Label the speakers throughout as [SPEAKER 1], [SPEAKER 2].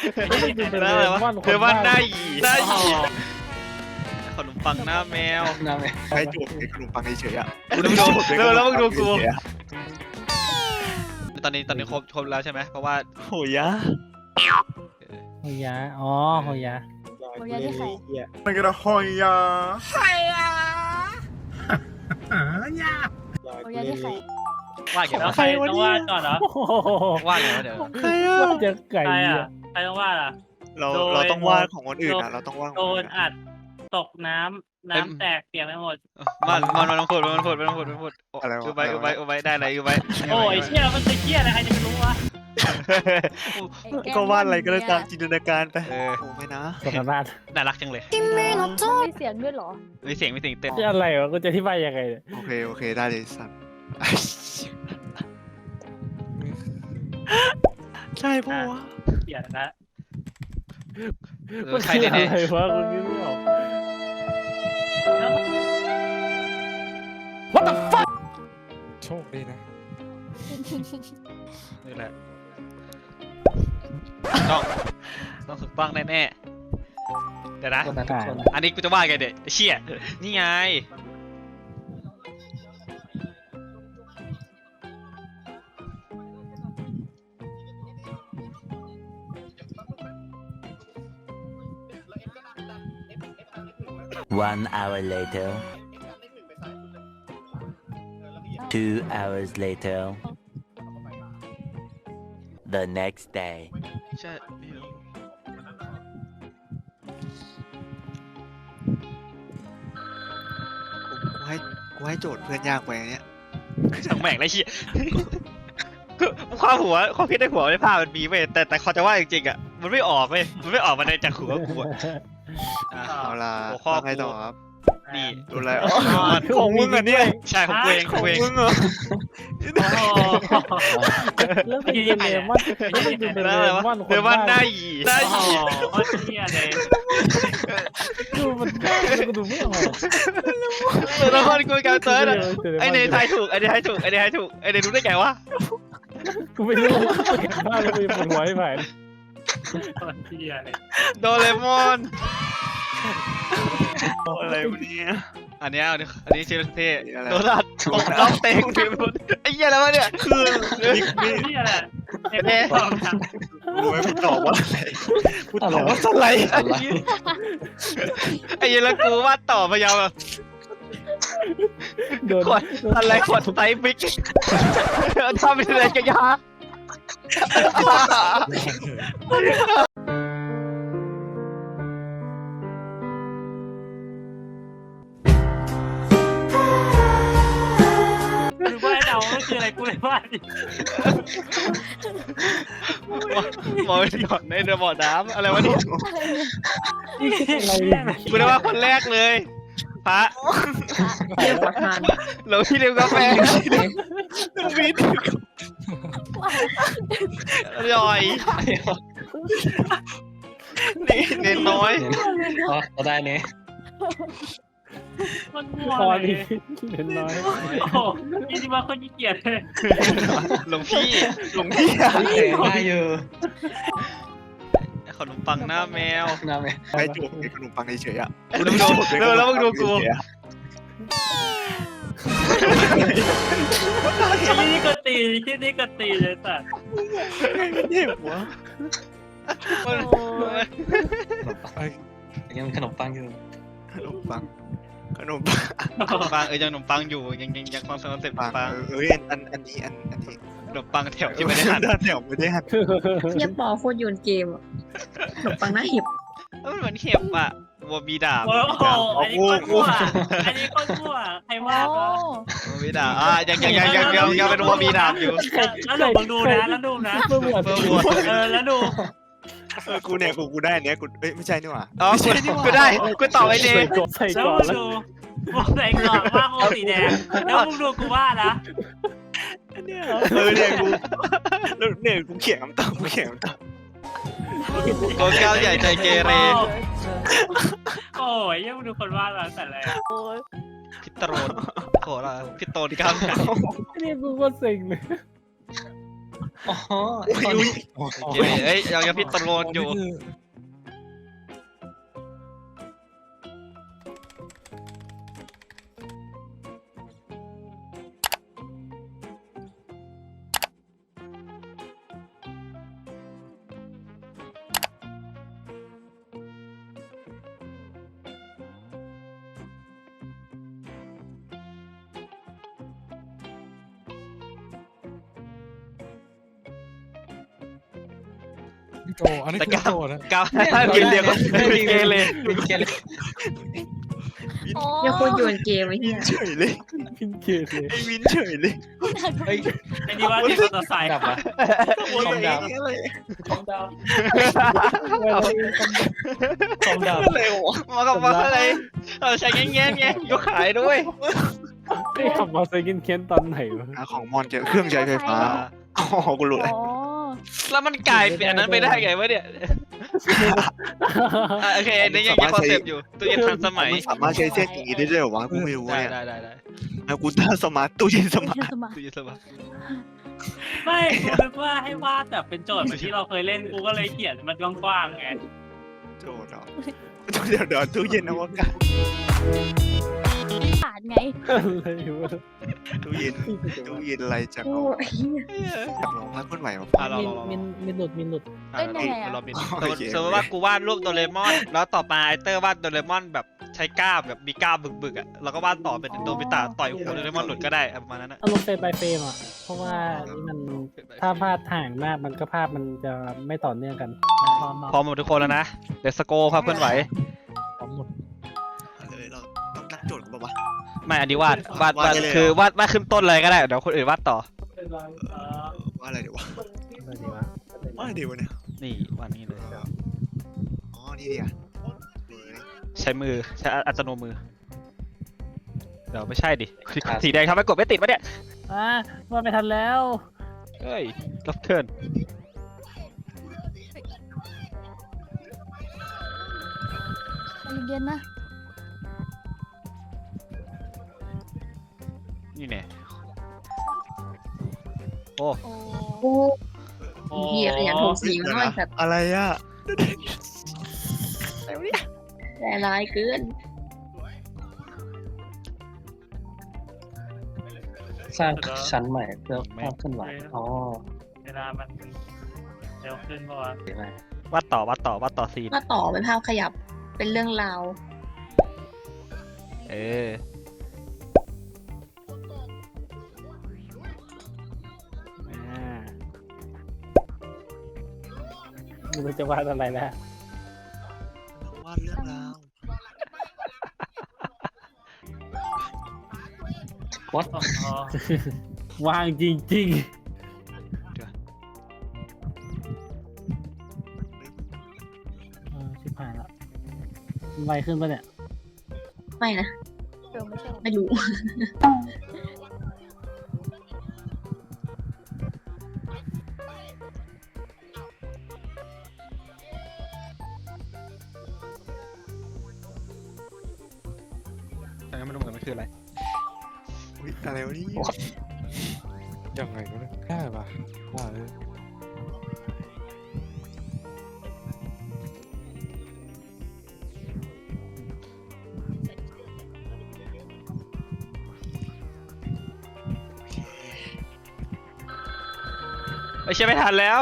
[SPEAKER 1] อะไรวะเธอว่าหน้าหยีขนมปังหน้าแมว
[SPEAKER 2] ให้จูบไอ้ขนมปังเฉยๆอ่ะ
[SPEAKER 1] แล้วมึงดูกูตอนนี้ครบแล้วใช่ไหมเพราะว่า
[SPEAKER 2] โหยะ
[SPEAKER 3] โฮยะอ๋อโฮยะ
[SPEAKER 4] โฮยะที่ใคร
[SPEAKER 2] มันก็จะหอยยา
[SPEAKER 4] โฮยะที่ใคร
[SPEAKER 1] ว่าไง
[SPEAKER 5] แล้ว
[SPEAKER 1] วะ
[SPEAKER 5] ใครต้องวาดก่อนเหรอ
[SPEAKER 1] ว่าไงวะเดี๋ยว
[SPEAKER 2] ใครอ่ะ
[SPEAKER 3] ว่าจะไก่
[SPEAKER 5] ใคร
[SPEAKER 3] เนี่ย
[SPEAKER 5] อ่ะใครต้องวาดอ่ะ
[SPEAKER 2] เราต้องวาดของคนอื่นอ่ะเราต้องวาด
[SPEAKER 5] โดนอัดตกน้ำแตกเปียกไปหมด
[SPEAKER 1] มันต้องพูดอุบได้อะไรอุบ
[SPEAKER 5] โอ้ยเชี่ยมันจะเชี่ยอะไรใครจะไปรู้วะ
[SPEAKER 2] ก็วาดอะไรก็ได้ตามจินตนาการไปโอ้ไม่นะ
[SPEAKER 3] สถานะ
[SPEAKER 1] น่ารักจังเลย
[SPEAKER 4] มีเสียงด้วยเหรอ
[SPEAKER 1] มีเสียงเต้น
[SPEAKER 3] จะอะไรวะกูจะอธิบายยังไงเนี่ย
[SPEAKER 2] โอเคได้เลยสัตว์ใช่ปะวะ
[SPEAKER 5] เปียกนะ
[SPEAKER 3] มัน
[SPEAKER 1] ใช่
[SPEAKER 3] คือ
[SPEAKER 1] แน่
[SPEAKER 3] อะไรวะกูคิดไม่ออก
[SPEAKER 2] โชคดีนะ
[SPEAKER 1] นี่แหละต้องถูกต้องแน่เดี๋ยวนะอันนี้กูจะว่าไงเด็กเชี่ยนี่ไง
[SPEAKER 6] 1 hour later. 2 hours later. The next day.
[SPEAKER 1] ใช่
[SPEAKER 2] กูให้โจทย์เพื่อนยากไปเนี้ย
[SPEAKER 1] ช่างแม่งไรเชี่ยความคิดในหัวในภาพมันมีเว้ยแต่เขาจะว่าจริงๆอ่ะมันไม่ออกเว้ยมันไม่ออกมาในจากหัวกูอ่ะ
[SPEAKER 2] เอาล่ะ
[SPEAKER 1] หัวข้อ
[SPEAKER 2] ไงต่อครับ
[SPEAKER 1] นี่
[SPEAKER 2] ดูอะไรของมึงอ่ะเนี่ย
[SPEAKER 1] ใช่ของกูเอง
[SPEAKER 2] ของมึงเหรอ
[SPEAKER 3] แล้วเป็นเลมอนแล้วเป็นเล
[SPEAKER 1] แล้วอะไรวะ
[SPEAKER 3] มอนค
[SPEAKER 1] เธ
[SPEAKER 3] น
[SPEAKER 1] อว่าหน้า
[SPEAKER 3] บ้า
[SPEAKER 1] หยี
[SPEAKER 5] โอ้โหเชี่ยเลย
[SPEAKER 3] ดูมันบ้ากูดูไม่ออก
[SPEAKER 1] แล้วคนกูการเติร์ดอ่ะไอเนยทายถูกไอเนยทายถูกไอเนยรู้ได้ไงวะ
[SPEAKER 3] กูไม่รู้กูเห็นบ้าแล้วกูปวดหัวไม่ไหว
[SPEAKER 5] เชี่ยเลย
[SPEAKER 1] โดเรมอน
[SPEAKER 2] อะไรวะเนี่ย
[SPEAKER 1] อันนี้ชื่อเท่โดนัทตกน้องเต็งไอ้เหี้ยแล้ววะเนี่ยคือ
[SPEAKER 5] เชี่ยแหละ
[SPEAKER 2] รู้ไหมกูตอบว่าอะไรกูตอบว่าสไลด์
[SPEAKER 1] ไอ้เหี้ยแล้วกูวาดต่อมายาวแบบ
[SPEAKER 3] โดน
[SPEAKER 1] ขวดอะไรขวดไซส์บิ๊กทำเป็นอะไรกันยา
[SPEAKER 5] คือว่าเดาก็คืออะไรกูเลยว่า
[SPEAKER 1] หมอหยอดในบ่อน้ำอะไรวะเนี่ย
[SPEAKER 3] อะไร
[SPEAKER 1] กูได้ว่าคนแรกเลยพระหลวงพี่เลี้ยงกาแฟอร่อยนี่เน้นน้อย
[SPEAKER 7] ก็ได้เนี่ย
[SPEAKER 5] มันมัว
[SPEAKER 3] พอ
[SPEAKER 5] เล
[SPEAKER 3] ดี
[SPEAKER 5] ย
[SPEAKER 3] เห็นน้อย
[SPEAKER 5] โอ้โหนี่ที่ว่าคนขี้เกียจเลย
[SPEAKER 1] หลวงพี่
[SPEAKER 7] ได้อยู่
[SPEAKER 1] ขนมปังหน้าแมว
[SPEAKER 7] นะแม่
[SPEAKER 2] ให้จูบไอ้ขนมปังเฉยๆอ่ะ
[SPEAKER 1] แล้วมึงดูกู
[SPEAKER 5] ที่นี่ก็ตีเลยสัตว์
[SPEAKER 2] เจ็บวะ
[SPEAKER 7] ยังมีขนมปังอยู่
[SPEAKER 2] ขนมปัง
[SPEAKER 1] ปังยังขนมปังอยู่ยังคอนเซ็ปต์ปัง
[SPEAKER 2] อันนี้
[SPEAKER 1] ขนมปังแถวที่ไม่ได้หั่น
[SPEAKER 2] เดี๋ยวไม่ได้หั่น
[SPEAKER 8] เฮียปอโคตรโยนเกมอะขนมปังหน้าเห็บ
[SPEAKER 1] มันเหมือนเห็บอ่ะวัวมีดาบ
[SPEAKER 5] โอ้โหอันนี้ก็มั่วใครว่า
[SPEAKER 4] โอ้
[SPEAKER 1] วัวมีดาบยังเป็นวัวมีดาบอยู่
[SPEAKER 5] แล้วดูนะแล้วดูนะ
[SPEAKER 3] เมื่อหมด
[SPEAKER 5] แล้วดู
[SPEAKER 2] กูเนี่ยกูได้เนี่ยกูไม่ใช่นี่หว่า
[SPEAKER 1] อ๋อกูได้กูตอบไอ้เนย
[SPEAKER 3] ใส่
[SPEAKER 5] แล้ว
[SPEAKER 3] ก่อนแล้ว
[SPEAKER 5] ดูใส่ก่อนว่าโมสีแดงแล้วมึงดูกูว่านะ
[SPEAKER 2] เนี่ยกูเขียนคำตอบ
[SPEAKER 1] โกเก้าใหญ่ใจเกเร
[SPEAKER 5] โอ้ยยังมึงดูคนว่าเราแต่แรก
[SPEAKER 1] พิตโรนโหล่ะพิโตนก้าวใหญ่
[SPEAKER 3] นี่กูก็เซ็งเลย
[SPEAKER 7] อ๋อไอ้คน
[SPEAKER 1] เอ้ยยังพิจารณาอยู่
[SPEAKER 2] โตอันนี้คือโตนะ
[SPEAKER 1] ก้าวกินเรียกว่าเกเร
[SPEAKER 7] เป็นเกเร
[SPEAKER 4] อ๋อ
[SPEAKER 8] อย่าโคตรโยนเกมไอ้เหี้ย
[SPEAKER 2] เฉยเลย
[SPEAKER 3] พินเกตเลย
[SPEAKER 2] ไอ้วินเฉยเลย
[SPEAKER 7] เฮ้ย
[SPEAKER 5] ไอ้นี่ว่าที่มอเตอร์ไซค์
[SPEAKER 7] ดับอ่ะ
[SPEAKER 2] โอ้ยอะไร
[SPEAKER 7] ของดาว
[SPEAKER 3] เอา
[SPEAKER 7] ของดาว
[SPEAKER 2] อะไรวะ
[SPEAKER 1] มากับมาอะไรเราใช้แง่ๆไงยกขายด้วย
[SPEAKER 3] ไอ้ขับมาใส่กินเค้นตอนไหนวะ
[SPEAKER 2] ของมอนเจอเครื่องใช้ไฟฟ้าอ๋อกูรู้แล้ว
[SPEAKER 4] อ๋อ
[SPEAKER 1] แล้วมันกลายเป็นอันนั้นไปได้ไงวะเนี่ยโอเคนี่ยังคอนเซปต์อยู่ตู้เย็นทันสมัย
[SPEAKER 2] มันสามารถใช้เส้นอย่างนี้ได้ด้วยเหรอวะกูไม่รู้
[SPEAKER 1] ได้
[SPEAKER 2] เนี่ย
[SPEAKER 1] ได้
[SPEAKER 2] แล้วกูตั้งสมาร์ทตู้เย็นสมาร์ท
[SPEAKER 4] สมัคร
[SPEAKER 1] ตู้เย็นสมัย
[SPEAKER 5] ไม่กูนึกว่าให้วาดแบบเป็นโจทย์เหมือนที่เราเคยเล่นกูก็เลยเขียนมันกว้างๆไง
[SPEAKER 2] โจทย์เหรอเดี๋ยวตู้เย็นอวกาศ
[SPEAKER 4] ขาดไง
[SPEAKER 3] อะไรวะ
[SPEAKER 2] ตู้เย็นอะไรจาก
[SPEAKER 8] โอ้ยเหี้ย
[SPEAKER 2] จากหลงรักคนใหม่มา
[SPEAKER 1] เรา
[SPEAKER 3] มินหลุด
[SPEAKER 1] เราเป็น
[SPEAKER 2] โอเค
[SPEAKER 1] สมมติว่ากูวาดรูปโดเรมอน แล้วต่อมาไอเตอร์วาดโดเรมอนแบบใช้กล้ามแบบมีกล้ามบึกๆอ่ะแล้วก็วาดต่อเป็นโดบิตะต่อยหัวโดเรมอนหลุดก็ได้ประมาณนั้นนะ
[SPEAKER 3] อารมณ์เป็นไปเฟรมอ่ะ เพราะว่านี่มันถ้าพลาดห่างมากมันก็ภาพมันจะไม่ต่อเนื่องกัน
[SPEAKER 1] พร้อมหมดทุกคนแล้วนะเดสโก้ภาพเคลื่อนไหว
[SPEAKER 2] เลยเราต้องตั้งโจทย์กันปะวะ
[SPEAKER 1] ไม่อันนี้วาด
[SPEAKER 2] วาดได้เลย
[SPEAKER 1] คือวาดขึ้นต้นเลยก็ได้เดี๋ยวคนอื่นวาดต่อ
[SPEAKER 2] ว่าอะไรเดี๋ยววะ
[SPEAKER 3] อะไรดีวะ
[SPEAKER 2] ว่าอะไรเดี๋ยวเนี่ย
[SPEAKER 1] นี่วาดนี้เลย
[SPEAKER 2] อ๋อนี่ดิอ่ะ
[SPEAKER 1] ใช้มือใช้อัตโนมือเดี๋ยวไม่ใช่ดิสีแดงทำให้กดไม่ติดวะเนี่ย
[SPEAKER 3] ว่าไม่ทันแล้ว
[SPEAKER 1] เฮ้ยรับเทิร์น
[SPEAKER 4] เย็นๆนะ
[SPEAKER 1] นี่แน่โอ้
[SPEAKER 4] โอ้
[SPEAKER 8] โอ้ยเหี้ยขยันโทรสีมันน้อยสัตว์
[SPEAKER 2] อะไรอ่ะ
[SPEAKER 8] ใจร้ายเกิน
[SPEAKER 7] สร้างชั้นใหม่เพื่อภาพเคลื่อนไหวอ๋อ
[SPEAKER 5] เวลามันเร็วขึ้นเพราะว่า
[SPEAKER 7] เดี๋ยวไป
[SPEAKER 1] วาดต่อซีน
[SPEAKER 8] มาต่อเป็นภาพขยับเป็นเรื่องราว
[SPEAKER 1] เออ
[SPEAKER 3] ไม่รู้จะวาดอะไรแล้ว
[SPEAKER 2] วาดเรื่องราว
[SPEAKER 7] วัด
[SPEAKER 5] อ๋อ
[SPEAKER 3] วางจริงชิบหายละไวขึ้นปะเนี่ย
[SPEAKER 8] ไม่นะ
[SPEAKER 4] เดี๋ยวไม่ใช่
[SPEAKER 8] ไม่รู้
[SPEAKER 1] แต่ยังไม่รู้เหมือนกันมันคืออะไร
[SPEAKER 2] อุ๊ยอะไรวะนี่ยังไงก็ได้ปะว่าเลย
[SPEAKER 1] ไม่ใช่ไม่ทันแล้ว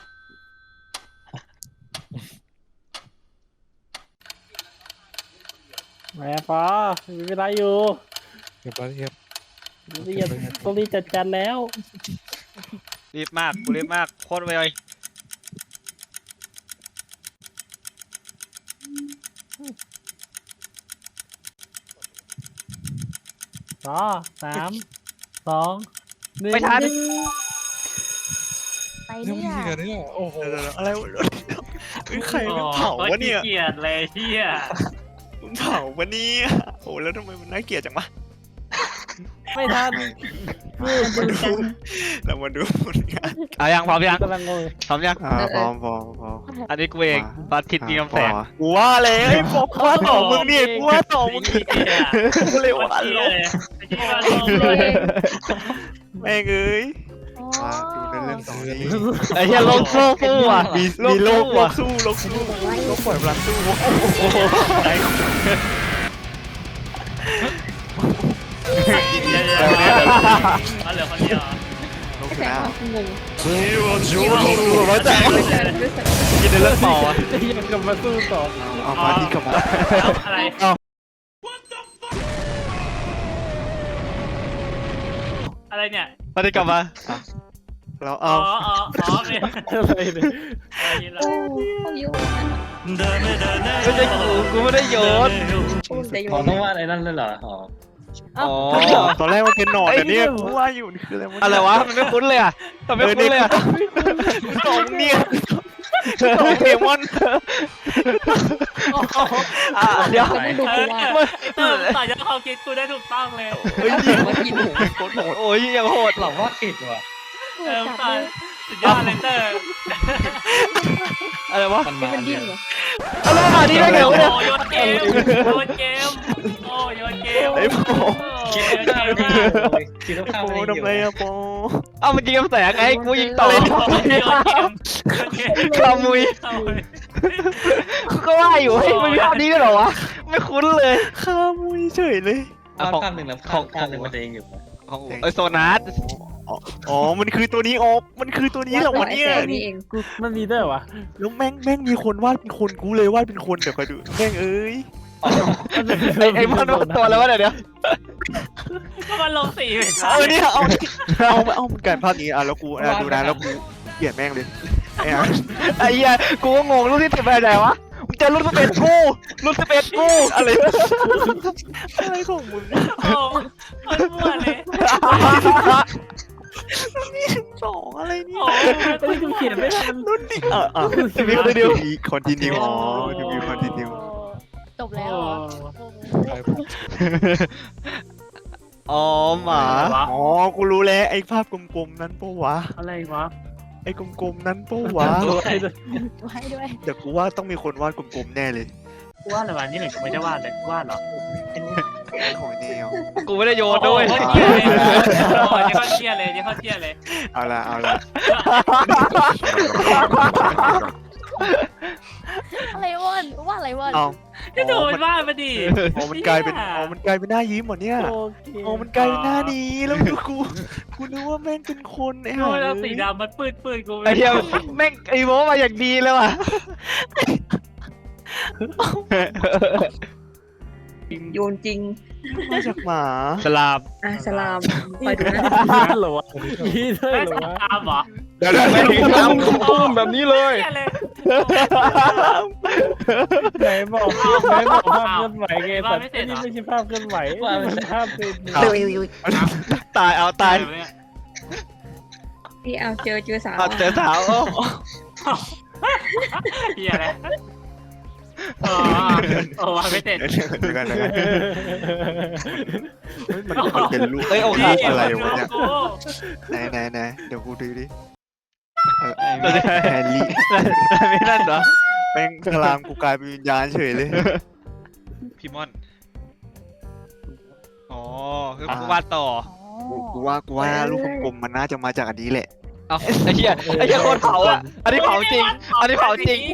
[SPEAKER 3] แหมปอมีเวลาอยู่
[SPEAKER 2] เรียบร้อยเรียบ
[SPEAKER 3] ต้องรีบจัดการแล้ว
[SPEAKER 1] รีบมากกูรีบมากโคตรไว
[SPEAKER 3] 3 2 1
[SPEAKER 1] ไม่ทัน
[SPEAKER 4] ไป
[SPEAKER 2] เรื่อง
[SPEAKER 4] เนี่ย
[SPEAKER 2] นี้กันเนี่ยโอ้โหอะไรวะใครมันเผาวะเนี่ย
[SPEAKER 5] เกลียดเลยเฮีย
[SPEAKER 2] มึงเผาวะเนี่ยโอ้แล้วทำไมมันน่าเกลียดจังวะ
[SPEAKER 3] ไม่ทัน
[SPEAKER 2] เรามาดูผลงาน
[SPEAKER 1] เอายังพร้อมยัง
[SPEAKER 3] กำลังงง
[SPEAKER 1] พร้อมยัง
[SPEAKER 2] พร้อม
[SPEAKER 1] อันนี้กูเองบัตรทิศมีคำแสง
[SPEAKER 2] กูว่าเลยไอ้บอกว่าต่อมึงนี่กูว่าต่อมึง
[SPEAKER 5] เฮีย
[SPEAKER 2] กูเลยว่า
[SPEAKER 5] เฮี
[SPEAKER 2] ล
[SPEAKER 5] ย
[SPEAKER 2] บ
[SPEAKER 5] เลยไอ้ที่ว่าลงเลย
[SPEAKER 2] แม่งเอ้ย
[SPEAKER 4] อ๋อ
[SPEAKER 2] มาดูเรื่นั่นสองนี้
[SPEAKER 1] ไอ้เหี้ยโลกสู้อ่ะ
[SPEAKER 2] มีโลกสู้โลกปล่อยพลังสู้โอ้โห
[SPEAKER 5] เดี๋ยวมาเหลือคนเดียว
[SPEAKER 2] โลก
[SPEAKER 8] แส
[SPEAKER 2] ช
[SPEAKER 8] ดง
[SPEAKER 2] นะ
[SPEAKER 8] ความงง
[SPEAKER 1] ร้อยแต่กินในเรื่องต่ออ่ะ
[SPEAKER 3] ยังกลับมาสู้ต่อ
[SPEAKER 2] เอามาที่กลับมา
[SPEAKER 5] อะไรอะไรเนี่ย
[SPEAKER 1] มาได้กลับมา
[SPEAKER 2] แล้ว
[SPEAKER 5] อ๋อ
[SPEAKER 2] เอา
[SPEAKER 5] อ๋อเนี่ย
[SPEAKER 3] อะไรเนี่ย
[SPEAKER 8] โอ้เขาโยนนั่นน่ะ
[SPEAKER 1] ไม่ใช่กูไม่ได้โยน
[SPEAKER 8] โอ้แต่โย
[SPEAKER 7] ขอน ต้องวาดไอ้นั่นเลยเหรออ๋อ
[SPEAKER 1] อ๋อ
[SPEAKER 2] ตอนแรกมันเป็นหนอนแต่เนี่ยกูว่าอยู่นี่คืออะไร
[SPEAKER 1] อะไรวะมันไม่คุ้นเลยอ่ะทำไมไม่คุ้นเลยอ่ะ
[SPEAKER 2] สองเนี่ยสองเดมอน
[SPEAKER 1] เดี๋ยว
[SPEAKER 8] ก็ไม่ดูกูว่า
[SPEAKER 5] ต่อยอดความคิดกูได้ถูกต้องเลย
[SPEAKER 2] เฮ้ย
[SPEAKER 8] ว่ากินหมู
[SPEAKER 2] โคตรโหด
[SPEAKER 1] โอ้ยยังโหด
[SPEAKER 7] หลอกวาดผิดว่ะ
[SPEAKER 5] ต่อยสุดยอดเลยเตอร์
[SPEAKER 1] อะไรวะ
[SPEAKER 7] มัน
[SPEAKER 8] มั
[SPEAKER 7] มาน
[SPEAKER 8] ดิ้
[SPEAKER 7] เนี่ย
[SPEAKER 8] นเหรอ
[SPEAKER 1] อะไรวะนี่ได้ไง
[SPEAKER 5] โอ้
[SPEAKER 1] วะเนี่ย
[SPEAKER 5] โยนเกมโยนเกมโอ้โยนเกม
[SPEAKER 2] ไอ้โป
[SPEAKER 5] คิด
[SPEAKER 7] ข้าวไม่ดีเลยคิดว่า
[SPEAKER 2] ไอ้
[SPEAKER 7] ข้าว
[SPEAKER 2] โป
[SPEAKER 7] ไม่ดี
[SPEAKER 2] ทำไรอะโป
[SPEAKER 1] เอามันยิงกระแสไงกูยิงต่อ
[SPEAKER 5] โยนเกม
[SPEAKER 1] ขมุยก็ว่าอยู่เฮ้ยมันมีภาพนี้ด้วยเหรอวะไม่คุ้นเลย
[SPEAKER 2] ข้ามุยเฉยเลย
[SPEAKER 7] ข้าวข้ามหนึ่งแล้วข้ามหนึ่งมันจะเองอยู่
[SPEAKER 1] ของไอโซนัส
[SPEAKER 2] อ๋อมันคือตัวนี้ออฟมันคือตัวนี้เหรอวะเนี่ย
[SPEAKER 8] ไอ้แสงนี่เอง
[SPEAKER 3] กูมันมีด้วยวะ
[SPEAKER 2] แล้วแม่งมีคนวาดเป็นคนกูเลยวาดเป็นคนเดี๋ยวคอยดูแม่งเอ้ย
[SPEAKER 1] ไอมันตัวแล้ววะเดี๋ยว
[SPEAKER 5] ก็มันลงสีไป
[SPEAKER 2] เนี่ยเอามันกลายภาพนี้อ่ะแล้วกูดูนะแล้วกูเปลี่ยนแม่งเลยไอ้ห่า
[SPEAKER 1] ไอ้เหี้ยกูก็งงรุ่นที่สิบไปไหนวะมึงเจอรุ่น11กูรุ่น11กูอะไร
[SPEAKER 2] อะไรของมึง
[SPEAKER 5] โอ้มันมั่วเลย
[SPEAKER 2] สองอะไรเนี่ย
[SPEAKER 5] โอ้
[SPEAKER 3] ไอ้กูเขียนไม่ทัน
[SPEAKER 2] รุ่นดิจะมีคอนติเนียอ๋อจะมีคอนติเนีย
[SPEAKER 4] จบแล้วเหรอ
[SPEAKER 1] อ๋อหมา
[SPEAKER 2] อ๋อกูรู้แล้วไอ้ภาพกลมๆนั้นปะวะ
[SPEAKER 5] อะไรวะ
[SPEAKER 2] ไอ้กลมๆนั้นปะวะ
[SPEAKER 4] ไว้ด้วย
[SPEAKER 2] เดี๋ยวกูว่าต้องมีคนวาดกลมๆแน่เลย
[SPEAKER 5] ว่าอะไรวะนี่หนึ่งไม่ได้วาดเลยวาดเหรอ
[SPEAKER 2] ของแนว
[SPEAKER 1] กูไม่ได้โยนด้วย
[SPEAKER 5] โคตรเที่ยเลยโอ้ยนี่เขาเที่ยเลยนี่เขาเที่ยเลย
[SPEAKER 2] เอาละ
[SPEAKER 4] อะไรวอนว่าอะไรวอน
[SPEAKER 2] เอา
[SPEAKER 5] นี่ดูมันวาดมาดิ
[SPEAKER 2] อ๋อมันกลายเป็นหน้ายิ้มเหรอเนี่ย
[SPEAKER 3] โอเค
[SPEAKER 2] อ๋อมันกลายเป็นหน้านี้แล้วกูนึกว่าแม่งเป็นคนไอ้
[SPEAKER 5] ดู
[SPEAKER 2] ห่า
[SPEAKER 5] แล้วสีดำมันปืดกู
[SPEAKER 1] ไอ้เหี้ยแม่งไอ้โมมาอย่างดีเลยว่ะ
[SPEAKER 8] โยนจริง
[SPEAKER 2] มาจากหมา
[SPEAKER 1] สลาม
[SPEAKER 8] อ่ะสลามไปดูนะ
[SPEAKER 3] นี่เหรอวะนี่ด้วย
[SPEAKER 5] ไม่
[SPEAKER 3] เหรอ
[SPEAKER 5] ใช่
[SPEAKER 3] วะ
[SPEAKER 5] ตามเหรอ
[SPEAKER 1] เดี๋ยวแม่งตุ้มแบบนี้เลย
[SPEAKER 5] เที่ยเลย
[SPEAKER 3] ไหนบอกภาพเคลื่อนไหวไงแต่นี่ไม่ใช่ภาพเคลื่อนไหวมันภาพเป็น
[SPEAKER 1] ตายเอาตาย
[SPEAKER 8] พี่เอาเจอสาว
[SPEAKER 1] เอาเจอสาว
[SPEAKER 5] เที่ยเลยโอ้วาดไม่เสร็จ
[SPEAKER 2] เดี๋ยวกันมันเป็นรูป
[SPEAKER 1] เอ้ยโอเค
[SPEAKER 2] อะไรวะเนี่ยไหนเดี๋ยวกูดูดิแฮร์รี่
[SPEAKER 1] ไม่นั่นเหรอ
[SPEAKER 2] แม่งคลามกูกลายเป็นวิญญาณเฉยเลย
[SPEAKER 1] พี่มอนอ๋อคือกูวาดต่อ
[SPEAKER 2] กูว่ารูปกลมๆมันน่าจะมาจากอันนี้แหละ
[SPEAKER 1] เอาไอ้เหี้ยโคตรเผาอ่ะอันนี้เผาจริงอันนี้เผาจริง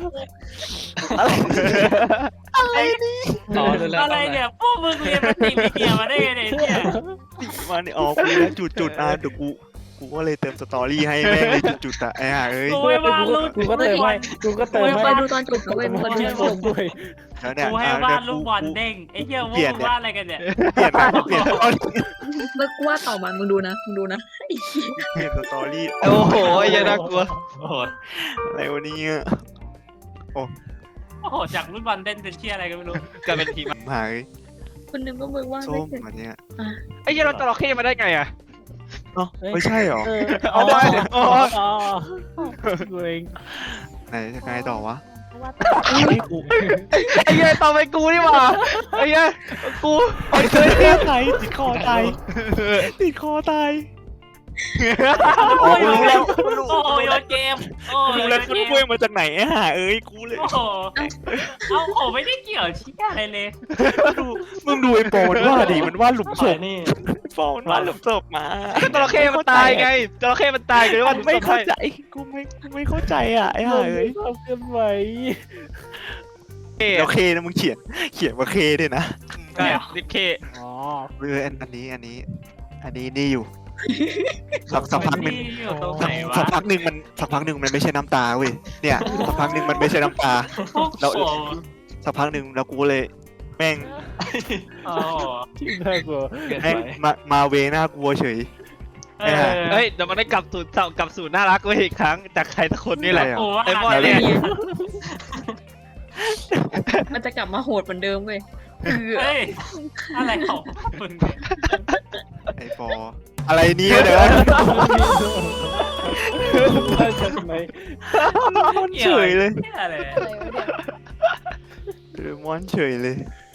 [SPEAKER 7] อ๋อเลยแล้ว
[SPEAKER 5] อะไรเนี่ยพวกมึงเรียนปฏิกิริยามาได้ไงเนี่ย
[SPEAKER 2] มาเนี่ยอ๋อกูนะจุดเดี๋ยวกูก็เลยเติมสตอรี่ให้แม่งเลยจุดอะไอ้ห่าเอ้ย
[SPEAKER 5] กูไม่ว่าลูก
[SPEAKER 3] กูก็เติมให้กูก็เติม
[SPEAKER 8] ไป
[SPEAKER 3] ให้
[SPEAKER 8] ดูตอนจบด้วยมัน
[SPEAKER 3] ที่
[SPEAKER 8] จะ
[SPEAKER 3] ชมด้วย
[SPEAKER 2] แล้วเนี่ย
[SPEAKER 5] กูให้วาดลูกบอลเด้งไอ้เหี้ยพวกมึงวาดอะไรกันเนี่ย
[SPEAKER 2] เปลี่ยนสตอรี่
[SPEAKER 8] เมื่อกูว่าต่อมามึงดูนะ
[SPEAKER 2] เปลี่ยนสตอรี่
[SPEAKER 1] โอ้โหไอ้เหี้ยน่ากลัว
[SPEAKER 5] โอ้โห
[SPEAKER 2] อะไรวะเนี่ย
[SPEAKER 5] โอ้โหจากลูกบอลเด้งเป็นเชี่ยอะไรกันไม่รู้
[SPEAKER 1] กลายเป็นผี
[SPEAKER 2] หาย
[SPEAKER 8] คนนึงก็มึงว่า
[SPEAKER 2] ส้
[SPEAKER 8] ไม่
[SPEAKER 2] ม
[SPEAKER 8] เสร็จ
[SPEAKER 2] อันเนี้ย
[SPEAKER 1] ไอ้เหี้ยเราจระเข้มาได้ไงอ่ะ
[SPEAKER 2] เอ้าไม่ใช่หรอ
[SPEAKER 1] เอาได้อ๋อ
[SPEAKER 3] อ๋อกูเอง
[SPEAKER 2] ไหนจะไงต่อวะ
[SPEAKER 4] ว่า
[SPEAKER 1] ไอ้เหี้ยต่อไปกูนี่หว่าไอ้เหี้ยกู
[SPEAKER 2] ไอ้เสื้อไทยติดคอตาย
[SPEAKER 5] โอ้ย
[SPEAKER 2] รู้แล้ว
[SPEAKER 5] โอ้ยโยนเกมโอ้ย
[SPEAKER 2] รู้แล้วคุณกล้วยมาจากไหนไอ้ห่าเอ้ยกูเลย
[SPEAKER 5] โอ้โหเอาผมไม่ได้เกี่ยวชี้อะไรเลย
[SPEAKER 2] มึงดูไอ้โปรมันว่าดิมันว่าหลุมศ
[SPEAKER 7] สวย
[SPEAKER 2] พ
[SPEAKER 7] นี่
[SPEAKER 2] โปรมันว่าหลุมศพมา
[SPEAKER 1] จระเข้มันตายไงจระเข้มันตายเลยว่า
[SPEAKER 2] ไม่เข้าใจกูไม่เข้าใจอ่ะไอ้ห่าเอ้ย
[SPEAKER 3] ความเคลื่อนไหว
[SPEAKER 2] แล้วเคนะมึงเขียนว่าเคด้วยนะ
[SPEAKER 1] ใช่ดิเค
[SPEAKER 3] อ๋อ
[SPEAKER 2] อันนี้นี่อยู่สักพักหนึ่ง
[SPEAKER 5] อยู่ตรงไหนวะ
[SPEAKER 2] สักพักหนึ่งมันไม่ใช่น้ำตาเว้ยเนี่ยสักพักหนึ่งมันไม่ใช่น้ำตา แล้ว
[SPEAKER 5] โอ้โห
[SPEAKER 2] สักพักหนึ่งแล้วกูเลยแม่ง
[SPEAKER 5] โอ้โห
[SPEAKER 3] ที่น่ากลัว
[SPEAKER 2] แม่งมาเวน่ากลัวเฉย
[SPEAKER 5] เออ
[SPEAKER 1] เฮ้ยเดี๋ยวมันได้กลับสู่น่ารักไว้อีกครั้งจากใครสักคนนี่แหละ
[SPEAKER 2] อะไรอ่ะ
[SPEAKER 5] โอ้ว่า
[SPEAKER 1] ไอ้บอลเนี่ย
[SPEAKER 8] มันจะกลับมาโหดเหมือนเดิมเว้ยคือ
[SPEAKER 5] เฮ้ยอะไรของมึงเนี่ย
[SPEAKER 2] ไอ้ปออะไรเนี่ยเดี๋ยว
[SPEAKER 3] มาจากไหน
[SPEAKER 2] เฉยเลย
[SPEAKER 5] อะไร
[SPEAKER 4] อะไรวะเนี่ย
[SPEAKER 2] มอนเฉยเลย
[SPEAKER 5] เ